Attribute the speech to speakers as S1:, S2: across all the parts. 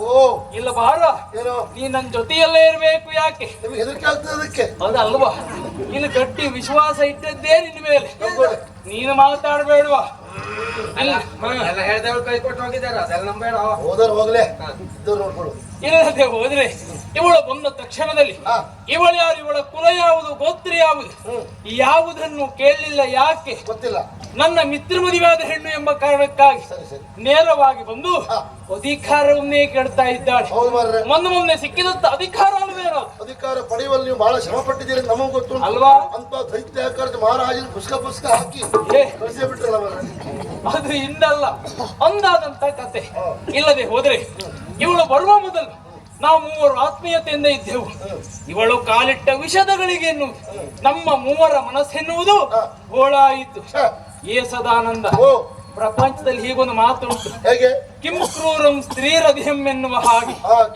S1: ಇಲ್ಲ ಬಾರ, ನೀ ನನ್ನ ಜೊತೆಯಲ್ಲೇ ಇರ್ಬೇಕು. ಯಾಕೆ
S2: ಹೆದರಿಕೆ ಆಗ್ತದೆ ಅದಕ್ಕೆ?
S1: ಅದಲ್ವಾ, ನೀನು ಗಟ್ಟಿ ವಿಶ್ವಾಸ ಇಟ್ಟದ್ದೇ ನಿನ್ನ ಮೇಲೆ. ನೀನು ಮಾತಾಡಬೇಡವಾ?
S3: ಹೇಳ್ದವ್ರು ಕೈ ಕೊಟ್ಟು ಹೋಗಿದ್ದಾರೆ, ಅದೆಲ್ಲ ನಂಬೇಡ.
S2: ಹೋದ್ರೆ ಹೋಗ್ಲೆ, ನೋಡ್ಕೊಡು.
S1: ಇಲ್ಲದೆ ಹೋದ್ರೆ ಇವಳು ಬಂದ ತಕ್ಷಣದಲ್ಲಿ ಇವಳು ಯಾರು, ಇವಳ ಕುಲ ಯಾವುದು, ಗೋತ್ರ ಯಾವುದು, ಯಾವುದನ್ನು ಕೇಳಲಿಲ್ಲ. ಯಾಕೆ
S2: ಗೊತ್ತಿಲ್ಲ.
S1: ನನ್ನ ಮಿತ್ರ ಮದುವೆಯಾದ ಹೆಣ್ಣು ಎಂಬ ಕಾರಣಕ್ಕಾಗಿ ನೇರವಾಗಿ ಬಂದು ಅಧಿಕಾರವನ್ನೇ ಕೇಳ್ತಾ ಇದ್ದಾಳೆ. ಮೊನ್ನೆ ಸಿಕ್ಕಿದಂತ ಅಧಿಕಾರ ಅಲ್ವೇನೋ?
S2: ಅಧಿಕಾರ ಪಡೆಯುವಲ್ಲಿ ನೀವು ಬಹಳ ಶ್ರಮ ಪಟ್ಟಿದ್ದೀರಿ, ನಮಗೂ ಗೊತ್ತು
S1: ಅಲ್ವಾ?
S2: ಅಂತ ದೈತ್ಯಾಕಾರ ಮಹಾರಾಜನ ಪುಸ್ತಕ ಹಾಕಿ ಕಳಿಸೇ ಬಿಟ್ರಲ್ಲ.
S1: ಅದು ಹಿಂದಲ್ಲ, ಅಂದಾದಂತ ಕತೆ. ಇಲ್ಲದೆ ಹೋದ್ರೆ ಇವಳು ಬರುವ ಮೊದಲು ನಾವು ಮೂವರು ಆತ್ಮೀಯತೆಯಿಂದ ಇದ್ದೆವು. ಇವಳು ಕಾಲಿಟ್ಟ ವಿಷದಗಳಿಗೆ ಎನ್ನುವುದು ನಮ್ಮ ಮೂವರ ಮನಸ್ಸೆನ್ನುವುದು ಗೋಳಾಯಿತು. ಏ ಸದಾನಂದ, ಪ್ರಪಂಚದಲ್ಲಿ ಹೀಗೊಂದು ಮಾತು ಉಂಟು,
S2: ಹೇಗೆ?
S1: ಕಿಂ ಕ್ರೂರಂ ಸ್ತ್ರೀರಧಿಯಂ ಎನ್ನುವ ಹಾಗೆ.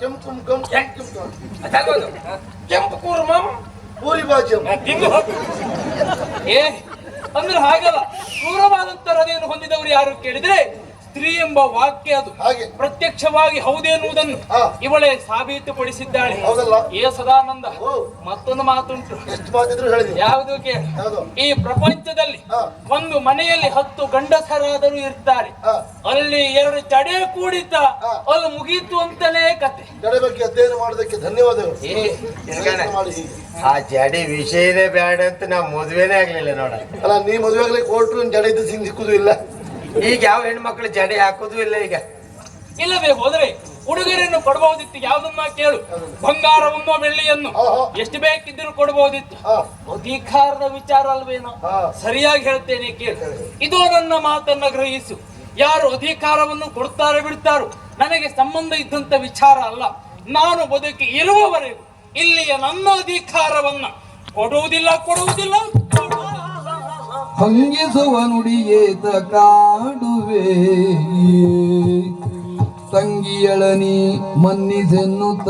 S3: ಕೆಂಪು ಕೂರ್ಮಂ
S2: ಪೂರಿ ಬಾಜ್ಯಂ.
S1: ಏ ಅಂದ್ರೆ ಹಾಗಲ್ಲ, ಕ್ರೂರವಾದಂತ ಹೃದಯವನ್ನು ಹೊಂದಿದವರು ಯಾರು ಕೇಳಿದ್ರೆ ಸ್ತ್ರೀ ಎಂಬ ವಾಕ್ಯ ಅದು ಪ್ರತ್ಯಕ್ಷವಾಗಿ ಹೌದೇನುವುದನ್ನು ಇವಳೇ ಸಾಬೀತುಪಡಿಸಿದ್ದಾಳೆ. ಏ ಸದಾನಂದ, ಮತ್ತೊಂದು ಮಾತುಂಟು.
S2: ಎಷ್ಟು ಮಾತಿದ್ರು ಹೇಳಿದೆ?
S1: ಯಾವುದು ಕೇಳಿ, ಈ ಪ್ರಪಂಚದಲ್ಲಿ ಒಂದು ಮನೆಯಲ್ಲಿ 10 ಗಂಡಸರಾದರೂ ಇರ್ತಾರೆ, ಅಲ್ಲಿ 2 ಜಡೆ ಕೂಡಿತ ಅಲ್ಲಿ ಮುಗೀತು ಅಂತಲೇ ಕತೆ.
S2: ಜಡೆ ಬಗ್ಗೆ ಅಧ್ಯಯನ ಮಾಡೋದಕ್ಕೆ ಧನ್ಯವಾದಗಳು.
S3: ಆ ಜಡೆ ವಿಷಯನೇ ಬೇಡ ಅಂತ ನಾವು ಮದುವೆನೇ ಆಗ್ಲಿಲ್ಲ ನೋಡ.
S2: ಅಲ್ಲ, ನೀ ಮದುವೆ ಆಗ್ಲಿಕ್ಕೆ ಹೊರಟು ಜಡೆ ಇದ್ದು ಸಿಕ್ಕುದು ಇಲ್ಲ.
S3: ಈಗ ಯಾವ ಹೆಣ್ಮಕ್ಳು ಜಡೆ ಹಾಕುದು ಇಲ್ಲ ಈಗ.
S1: ಇಲ್ಲದೆ ಹೋದ್ರೆ ಉಡುಗೊರೆಯನ್ನು ಕೊಡಬಹುದಿತ್ತು. ಯಾವ್ದನ್ನ ಕೇಳು, ಬಂಗಾರವನ್ನು ಬೆಳ್ಳಿಯನ್ನು ಎಷ್ಟು ಬೇಕಿದ್ದರೂ ಕೊಡಬಹುದಿತ್ತು. ಅಧಿಕಾರದ ವಿಚಾರ ಅಲ್ವೇನೋ? ಸರಿಯಾಗಿ ಹೇಳ್ತೇನೆ ಕೇಳು, ಇದು ನನ್ನ ಮಾತನ್ನ ಗ್ರಹಿಸು. ಯಾರು ಅಧಿಕಾರವನ್ನು ಕೊಡ್ತಾರೆ ಬಿಡ್ತಾರೋ ನನಗೆ ಸಂಬಂಧ ಇದ್ದಂತ ವಿಚಾರ ಅಲ್ಲ. ನಾನು ಬದುಕಿ ಇರುವವರೆಗೂ ಇಲ್ಲಿಯ ನನ್ನ ಅಧಿಕಾರವನ್ನ ಕೊಡುವುದಿಲ್ಲ.
S4: ಹಂಗಿಸುವ ನುಡಿಯೇತ ಕಾಡುವೆ ತಂಗಿಯಳನಿ ಮನ್ನಿಸೆನ್ನುತ್ತ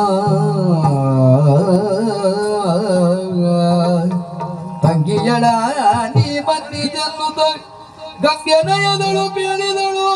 S4: ತಂಗಿಯಳ ನೀ ಮನ್ನಿಸೆನ್ನುತ್ತ ಗಂಗೆನಯದಳು ಬೇಡಿದಳು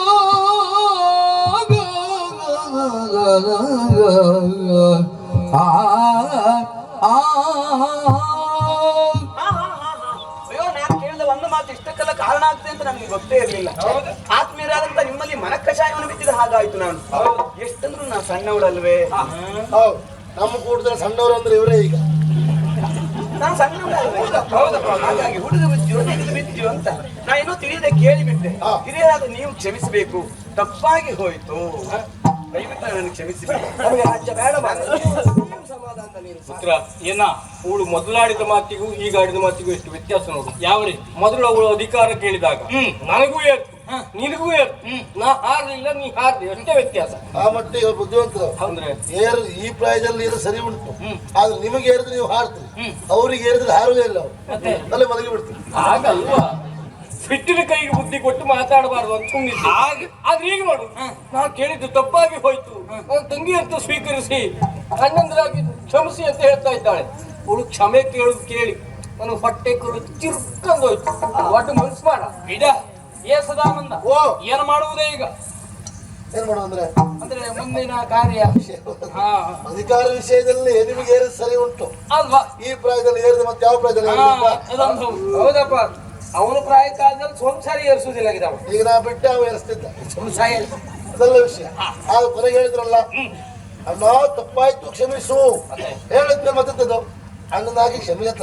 S5: ಇಷ್ಟಕ್ಕೆಲ್ಲ ಕಾರಣ ಆಗ್ತದೆ ಅಂತ ನನಗೆ ಗೊತ್ತೇ ಇರಲಿಲ್ಲ. ಆತ್ಮೀಯರಾದಂತ ನಿಮ್ಮಲ್ಲಿ ಮನಕಷಾಯವನ್ನು ಬಿದ್ದಿದ ಹಾಗಾಯ್ತು. ನಾನು ಎಷ್ಟಂದ್ರು ನಾ ಸಣ್ಣವಳಲ್ವೇ?
S2: ನಮ್ಮ ಕೂಟದಲ್ಲಿ ಸಣ್ಣವರು ಅಂದ್ರೆ ಇವರೇ. ಈಗ
S5: ನಾನು ಸಣ್ಣವಳಲ್ವೇ? ಹಾಗಾಗಿ ಹುಡುಗ ಬಿದ್ದಿಯೋ ಅಂತ ನಾ ಇನ್ನೂ ತಿಳಿಯದೆ ಕೇಳಿಬಿಟ್ಟೆ. ಹಿರಿಯರಾದ ನೀವು ಕ್ಷಮಿಸಬೇಕು, ತಪ್ಪಾಗಿ ಹೋಯ್ತು, ದಯವಿಟ್ಟು ನನಗೆ ಕ್ಷಮಿಸಬೇಕು. ನಮಗೆ ರಾಜ್ಯ ಬೇಡ.
S1: ಪುತ್ರ, ಏನ ಅವಳು ಮೊದಲಾಡಿದ ಮಾತಿಗೂ ಈಗ ಆಡಿದ ಮಾತಿಗೂ ಎಷ್ಟು ವ್ಯತ್ಯಾಸ ನೋಡು. ಯಾವ ರೀತಿ? ಮೊದಲು ಅವಳು ಅಧಿಕಾರ ಕೇಳಿದಾಗ ನನಗೂ ಏರ್ತು, ನಿನಗೂ ಏರ್ತು. ನಾ ಹಾರ್ಲಿಲ್ಲ, ನೀ ಹಾರ್ಲಿ, ಅಷ್ಟೇ ವ್ಯತ್ಯಾಸ.
S2: ಆ ಮಟ್ಟಿಗೆ ಬುದ್ಧಿವಂತರು
S1: ಅಂದ್ರೆ
S2: ಈ ಪ್ರಾಯದಲ್ಲಿ ಇದು ಸರಿ ಉಂಟು. ಆದ್ರೆ ನಿಮಗೆ ಏರಿದ್ರೆ ನೀವು ಹಾರ್ತೀರಿ, ಅವ್ರಿಗೆ ಏರಿದ್ರೆ ಹಾರುವುದೇ ಇಲ್ಲ. ಅವ್ರು ಅಲ್ಲೇ ಮಲಗಿ ಬಿಡ್ತೀರಿ.
S1: ಹಾಗಲ್ವಾ? ಸಿಟ್ಟಿನ ಕೈಗೆ ಬುದ್ಧಿ ಕೊಟ್ಟು ಮಾತಾಡಬಾರ್ದು ಅಂತ ಸುಮ್ಮನಿದ್ದೆ. ಆದ್ರೆ ಈಗ ನೋಡು, ನಾ ಕೇಳಿದ್ದು ತಪ್ಪಾಗಿ ಹೋಯ್ತು, ನನ್ನ ತಂಗಿ ಅಂತ ಸ್ವೀಕರಿಸಿ ಅಣ್ಣಂದ್ರಾಗಿ ಕ್ಷಮಿಸಿ ಅಂತ ಹೇಳ್ತಾ ಇದ್ದಾಳೆ. ಅವಳು ಕ್ಷಮೆ ಕೇಳುದು ಕೇಳಿ ನನಗೆ ಹೊಟ್ಟೆ ಕರು ಚಿರ್ಕೊಂಡೋಯ್ತು. ಒಟ್ಟು ಮನ್ಸು ಮಾಡ ಇಡ. ಏ ಸದಾನಂದ, ಏನು ಮಾಡುವುದೇ ಈಗ?
S2: ಏನ್ ಮಾಡುವಂದ್ರೆ
S1: ಅಂದ್ರೆ ಮುಂದಿನ ಕಾರ್ಯ
S2: ಅಧಿಕಾರ ವಿಷಯದಲ್ಲಿ ನಿಮಗೆ ಏರಿದ ಸರಿ ಉಂಟು
S1: ಅಲ್ವಾ?
S2: ಈ ಪ್ರಾಯದಲ್ಲಿ ಏರಿದ ಮತ್ತೆ ಯಾವ ಪ್ರಾಯದಲ್ಲಿ?
S3: ಹೌದಪ್ಪ, ಅವನು ಪ್ರಾಯಕ್ಕಾದ್ಮೇಲೆ ಸಂಸಾರಿ ಏರಿಸುವುದಿಲ್ಲ.
S2: ಈಗ ನಾ ಬಿಟ್ಟೆ ಅವ ಏರಿಸ್ತಿದ್ದ
S3: ಸಂಸಾರ
S2: ಅದೆಲ್ಲ ವಿಷಯ. ಆಗ ಕೊನೆಗೆ ಹೇಳಿದ್ರಲ್ಲ, ಅಣ್ಣ ತಪ್ಪಾಯ್ತು ಕ್ಷಮಿಸು ಹೇಳಿದ್ಮೇಲೆ ಮತ್ತದ್ದು ಅಣ್ಣನಾಗಿ ಕ್ಷಮಿಸತ್ತ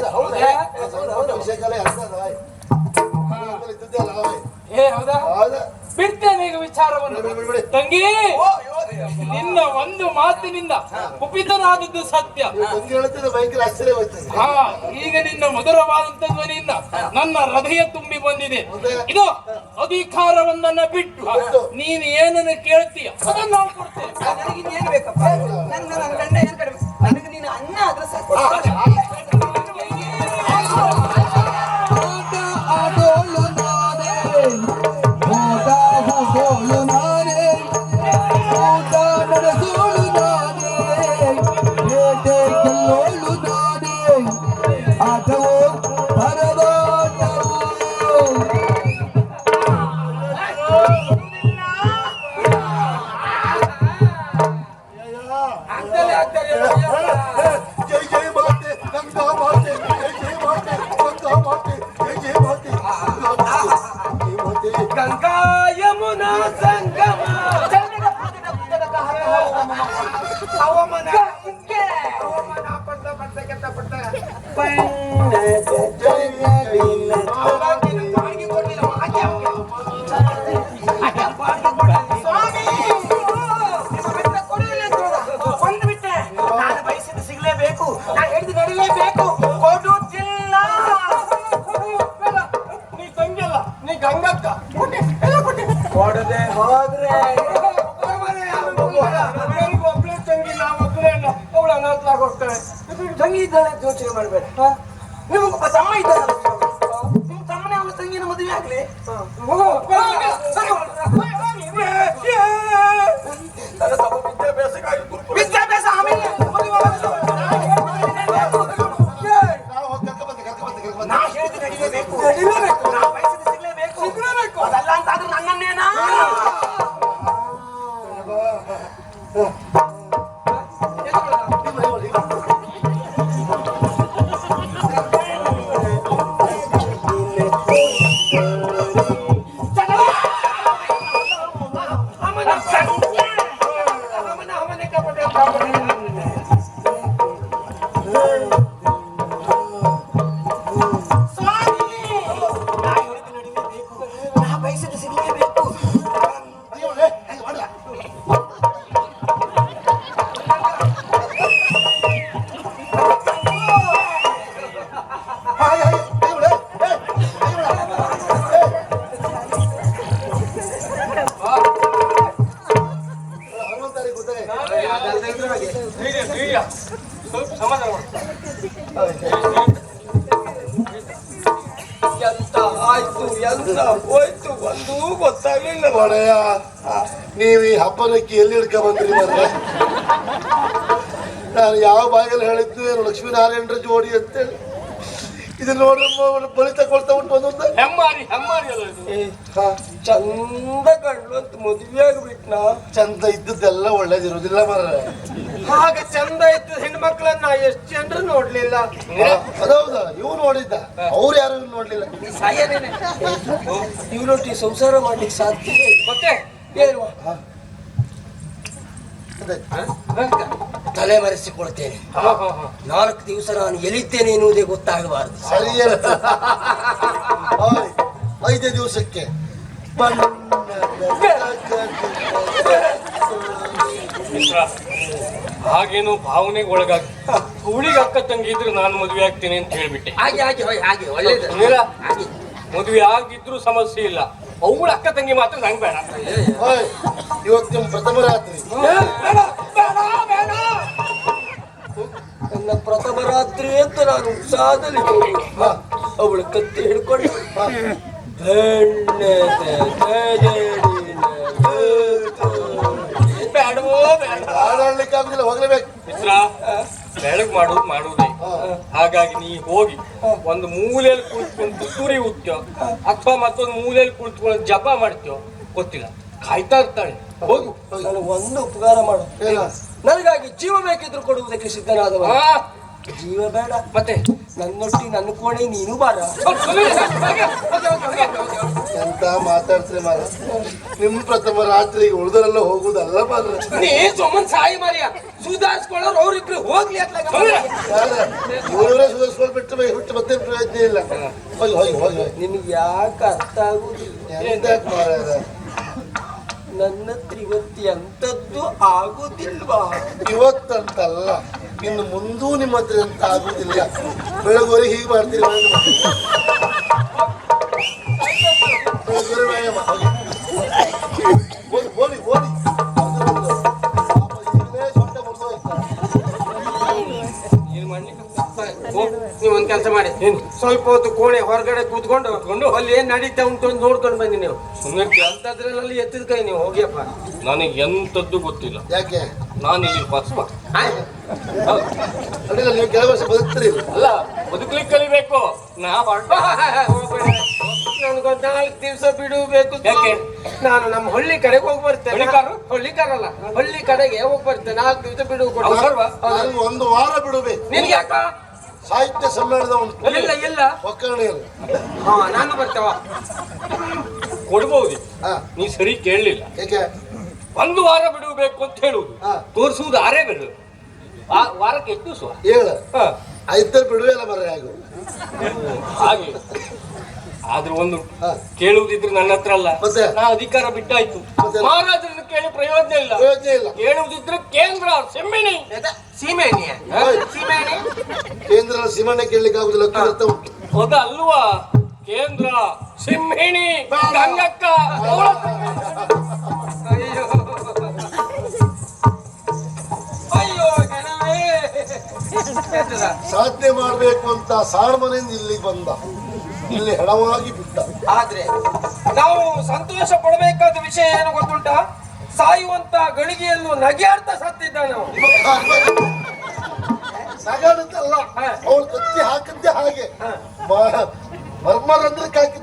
S2: ವಿಷಯ ಕಲೆ ಇದ್ದಿದ್ದೆ ಅಲ್ಲ.
S1: ಬಿಡ್ತೇನೆ ಈಗ ವಿಚಾರವನ್ನು. ತಂಗಿ, ನಿನ್ನ ಒಂದು ಮಾತಿನಿಂದ ಕುಪಿತನಾದದ್ದು ಸತ್ಯ.
S2: ಹೇಳ್ತಿದ್ದೆ ಭಯಂಕರ ಆಶ್ಚರ್ಯವಾಯ್ತು.
S1: ಈಗ ನಿನ್ನ ಮಧುರವಾದಂತ ಧ್ವನಿಯಿಂದ ನನ್ನ ಹೃದಯ ತುಂಬಿ ಬಂದಿದೆ. ಇದು ಅಧಿಕಾರವನ್ನ ಬಿಟ್ಟು ನೀನು ಏನನ್ನು ಕೇಳ್ತೀಯ ಅದನ್ನು ನಾವು ಕೊಡ್ತೇವೆ.
S5: ನನಗೆ ಏನು ಬೇಕಪ್ಪ? ನನ್ನ ಗಂಡ ಏನು ಕಡಿಮೆ, ನನಗೆ ನೀನು ಅನ್ನ ಆದ್ರೆ ಸಾಕು. ನಾ ಹೇಳಿದ ನಡಿಲೇಬೇಕು. ಕೊಡುತ್ತಿಲ್ಲ.
S1: ನೀ ತಂಗಿಯಲ್ಲ, ನೀ ಗಂಗಕ್ಕ.
S5: ಕೊಡದೆ ಹೋದ್ರೆ
S1: ಒಬ್ಳೆ ತಂಗಿ, ನಾವು ಒಬ್ಬರೇ ಅಲ್ಲ. ಅವಳು ಅನಾಥರಾಗಿ ಹೋಗ್ತಾಳೆ.
S5: ತಂಗಿ ಇದ್ದಾಳೆ ಅಂತ ಯೋಚನೆ ಮಾಡ್ಬೇಡ. ನಿಮಗೊಬ್ಬ ತಮ್ಮ ಇದ್ದಾನೆ. ನಿಮ್ ತಮ್ಮನೇ ಅವಳ ತಂಗಿನ ಮದುವೆ ಆಗ್ಲಿ. ನನ್ನ ತಮ್ಮ ವಿದ್ಯಾಭ್ಯಾಸ ಆಮೇಲೆ ನಾ ಹೇಳಿದ ನಡಿಲೇಬೇಕು. ನಾ ಬಯಸಿದ ಸಿಗ್ಲೇಬೇಕು. ಅದಲ್ಲ ಅಂತಾದ್ರೂ ನನ್ನನ್ನೇನಾ
S1: ಸ್ವಲ್ಪ ಸಮಾಧಾನ ಮಾಡು.
S5: ಎಂತ ಆಯ್ತು ಎಂತ ಹೋಯ್ತು ಒಂದೂ ಗೊತ್ತಾಗ್ಲಿಲ್ಲ.
S2: ಒಡೆಯ ನೀವು ಈ ಹಬ್ಬನಕ್ಕೆ ಎಲ್ಲಿ ಹಿಡ್ಕ ಬಂದ್ರಿ ಮತ್ತೆ? ನಾನು ಯಾವ ಬಾಯಲ್ಲಿ ಹೇಳಿದ್ದು ಲಕ್ಷ್ಮೀನಾರಾಯಣರ ಜೋಡಿ ಅಂತೇಳಿ ಇದು ನೋಡ್ರಿ ಬಲಿ ತಗೊಳ್ತಾ ಉಂಟು ಒಂದೊಂದು.
S1: ಹೆಮ್ಮಾರಿ ಹೆಮ್ಮಾರಿ ಅಲ್ಲ ಇದು.
S5: ಚಂದ ಕಂಡು ಅಂತ ಮದುವೆ ಆಗ್ಬಿಟ್ನ.
S2: ಚಂದ ಇದ್ದದ್ದೆಲ್ಲ ಒಳ್ಳೇದಿರುವುದಿಲ್ಲ ಮಾರ್ರೆ.
S5: ಹಾಗೆ ಚಂದ ಇದ್ದ ಹೆಣ್ಮಕ್ಳನ್ನ ಎಷ್ಟು ಜನರು ನೋಡ್ಲಿಲ್ಲ.
S2: ಅದೌದಾ? ಇವ್ ನೋಡಿದ್ದ, ಅವ್ರು ಯಾರು ನೋಡ್ಲಿಲ್ಲ.
S5: ಇವನೊಟ್ಟಿ ಸಂಸಾರ ಮಾಡ್ಲಿಕ್ಕೆ ಸಾಧ್ಯ
S1: ಮತ್ತೆ
S5: ಏನು? ತಲೆ ಮರೆಸಿಕೊಳ್ತೇನೆ. 4 ದಿವಸ ನಾನು ಎಲ್ಲಿದ್ದೇನೆ ಎನ್ನುವುದೇ ಗೊತ್ತಾಗಬಾರದು.
S2: ಸರಿಯೇ 5 ದಿವಸಕ್ಕೆ
S1: ಹಾಗೇನು ಭಾವನೆಗೆ ಒಳಗಾಗಿ ಹುಳಿಗೆ ಅಕ್ಕ ತಂಗಿ ಇದ್ರೆ ನಾನು ಮದುವೆ ಆಗ್ತೀನಿ ಅಂತ ಹೇಳ್ಬಿಟ್ಟೆ.
S5: ಹಾಗೆ ಒಳ್ಳೇದು.
S1: ಮದುವೆ ಆಗಿದ್ರು ಸಮಸ್ಯೆ ಇಲ್ಲ, ಅವಳ ಅಕ್ಕ ತಂಗಿ ಮಾತ್ರ ನಂಗೆ ಬೇಡ.
S2: ಇವತ್ತು ನಿಮ್ಮ ಪ್ರಥಮ ರಾತ್ರಿ.
S5: ನನ್ನ ಪ್ರಥಮ ರಾತ್ರಿ ಅಂತ ನಾನು ಉತ್ಸಾಹದಲ್ಲಿ ಅವಳು ಕತ್ತಿ ಹಿಡ್ಕೊಂಡು
S2: ಆಡಲಿಕ್ಕೆ ಆಗುದಿಲ್ಲ, ಹೋಗ್ಲೇಬೇಕು.
S1: ಮಿತ್ರ, ಬೆಳಗ್ ಮಾಡುವುದೇ. ಹಾಗಾಗಿ ನೀ ಹೋಗಿ ಒಂದು ಮೂಲೆಯಲ್ಲಿ ಕುಳಿತ್ಕೊಂಡು ತುತ್ತೂರಿ ಉತ್ತ್ಯೋ ಅಥವಾ ಮತ್ತೊಂದು ಮೂಲೆಯಲ್ಲಿ ಕುಳಿತ್ಕೊಂಡು ಜಪ ಮಾಡ್ತೀಯೋ ಗೊತ್ತಿಲ್ಲ, ಕಾಯ್ತಾ ಇರ್ತಾಳೆ. ಹೋಗು.
S5: ನಾನು ಒಂದು ಉಪಕಾರ ಮಾಡು. ನನಗಾಗಿ ಜೀವ ಬೇಕಿದ್ರು ಕೊಡುವುದಕ್ಕೆ ಸಿದ್ಧನಾದವ. ಜೀವ ಬೇಡ,
S1: ಮತ್ತೆ
S5: ನನ್ನೊಟ್ಟಿ ನನ್ನ ಕೋಣೆ ನೀನು ಬಾರ.
S2: ಎಂತ ಮಾತಾಡ್ತೀರಿ ಮಾರ? ನಿಮ್ ಪ್ರಥಮ ರಾತ್ರಿಗೆ ಉಳಿದರೆಲ್ಲ ಹೋಗುದಲ್ಲ ಮಾರ್ರೆ.
S5: ನೀ ಸುಮ್ಮನ್ ಸಾಯಿ ಮಾರಿಯ ಸುಧಾರಿಸ್ಕೊಳ್ಳೋರು ಅವ್ರಿಬ್ರು ಹೋಗ್ಲಿ ಅಂತ
S2: ಇವರೇ ಸುಧಾರಿಸ್ಕೊಂಡು ಬಿಟ್ಟು ಮತ್ತೆ ಪ್ರಯೋಜನ ಇಲ್ಲ. ಹೋಗಿ ಹೋಗಿ ಹೋಗಿ ಹೋಗಿ.
S5: ನಿಮ್ಗೆ ಯಾಕೆ ಅರ್ಥ ಆಗುದಿಲ್ಲ?
S2: ಎಂತ ಮಾರ್ರೆ?
S5: ನನ್ನ ತ್ರಿವತ್ತಿ ಅಂತದ್ದು ಆಗುದಿಲ್ವಾ?
S2: ಇವತ್ತಂತಲ್ಲ, ಇನ್ನು ಮುಂದೂ ನಿಮ್ಮ ಹತ್ರ ಅಂತ ಆಗುದಿಲ್ಲ. ಬೆಳಗೋರಿ ಹೀಗೆ ಮಾಡ್ತೀರಿ. ಓದಿ ಓದಿ
S5: ನೀವು ಒಂದ್ ಕೆಲಸ ಮಾಡಿ, ಸ್ವಲ್ಪ ಹೊತ್ತು ಕೋಣೆ ಹೊರಗಡೆ ಕೂತ್ಕೊಂಡು ಅಲ್ಲಿ ಏನ್ ನಡೀತಾ ಉಂಟು ಅಂತ ನೋಡ್ಕೊಂಡು ಬನ್ನಿ. ನೀವು
S1: ಸುಮ್ಮನೆ
S5: ಅಂತದ್ರಲ್ಲಿ ಎತ್ತಿದ ಕೈ ನೀವು ಹೋಗಿಯಪ್ಪ.
S1: ನನಗೆ ಎಂತದ್ದು ಗೊತ್ತಿಲ್ಲ.
S2: ಯಾಕೆ?
S1: ನಾನು ಇಲ್ಲಿ ಬಸ್ಮ
S2: ಅಡ್ಡಿಲ್ಲ, ನೀವು ಕೆಲವು ವರ್ಷ ಬದುಕ್ತೀರಿ.
S1: ಅಲ್ಲ, ಬದುಕಲಿಕ್ಕೆ ಕಲಿಬೇಕು.
S5: ನನಗೊಂದು 4 ದಿವಸ ಬಿಡಬೇಕು.
S1: ಯಾಕೆ?
S5: ನಾನು ನಮ್ಮ ಹಳ್ಳಿ ಕಡೆಗೆ ಹೋಗಿ ಬರ್ತೇನೆ. ಹಳ್ಳಿಕಾರಲ್ಲ, ಹಳ್ಳಿ ಕಡೆಗೆ ಹೋಗಿ ಬರ್ತೇನೆ. 4 ದಿವಸ ಬಿಡುವು ಕೊಡು.
S2: ನನಗೆ 1 ವಾರ ಬಿಡಬೇಕು.
S5: ನಿನ್ಗೆ ಯಾಕ?
S2: ಸಾಹಿತ್ಯ ಸಮ್ಮೇಳನ ಉಂಟು
S5: ಇಲ್ಲ
S2: ಒಕ್ಕರಣೆಯಲ್ಲಿ.
S5: ನಾನು ಬರ್ತೇವ.
S1: ಕೊಡ್ಬಹುದು.
S2: ಹಾ,
S1: ನೀ ಸರಿ ಕೇಳಲಿಲ್ಲ.
S2: ಏಕೆ?
S1: 1 ವಾರ ಬಿಡಬೇಕು ಅಂತ ಹೇಳುವುದು, ತೋರಿಸುವುದು 6 ಬಿಡು. ವಾರಕ್ಕೆ ಎಷ್ಟು ದಿವಸ?
S2: 7. 5 ಬಿಡುವೆ ಅಲ್ಲ ಮರ ಆಗು.
S1: ಹಾಗೆ ಆದ್ರೆ ಒಂದು ಕೇಳುವುದಿದ್ರೆ ನನ್ನ ಹತ್ರ ಅಲ್ಲ,
S2: ಮತ್ತೆ?
S1: ನಾ ಅಧಿಕಾರ ಬಿಟ್ಟಾಯ್ತು. ಮಹಾರಾಜರನ್ನು ಕೇಳಿ ಪ್ರಯೋಜನ ಇಲ್ಲ.
S2: ಪ್ರಯೋಜನ ಇಲ್ಲ.
S1: ಕೇಳುವುದಿದ್ರೆ ಕೇಂದ್ರ ಸೀಮೆಣಿ.
S5: ಸೀಮೆಣ್ಣೆ?
S2: ಹೋಯ್.
S5: ಸೀಮೆಣ್ಣೆ
S2: ಹೇಳಿದ್ರಲ್ಲ ಸಿಂಹಣ್ಣ ಕೇಳಲಿಕ್ಕೆ ಆಗುದಿಲ್ಲ ಅರ್ಥ ಉಂಟು.
S1: ಅದಲ್ವಾ ಕೇಂದ್ರ ಸಿಂಹಿಣಿ
S2: ಬೇಡ.
S1: ಗಂಗಕ್ಕ
S5: ಅಯ್ಯೋ ಅಯ್ಯೋ ಗಣವೇ.
S2: ಸಾಧನೆ ಮಾಡ್ಬೇಕು ಅಂತ ಸಾರ್ಮನೆಯಿಂದ ಇಲ್ಲಿ ಬಂದ, ಇಲ್ಲಿ ಹೆಣವಾಗಿ ಬಿಟ್ಟ.
S5: ಆದ್ರೆ ನಾವು ಸಂತೋಷ ಪಡಬೇಕಾದ ವಿಷಯ ಏನು ಗೊತ್ತುಂಟ? ಸಾಯುವಂತ ಗಳಿಗೆಯಲ್ಲೂ ನಗೆಯಾಡ್ತಾ ಸತ್ತಿದ್ದ ನಾವು.
S2: ನಗಾಡುತ್ತಲ್ಲ, ಅವ್ರು ಕತ್ತಿ ಹಾಕದ್ದೆ ಹಾಗೆ ಮರ್ಮರಂದ್ರಕ್ಕೆ ಹಾಕಿ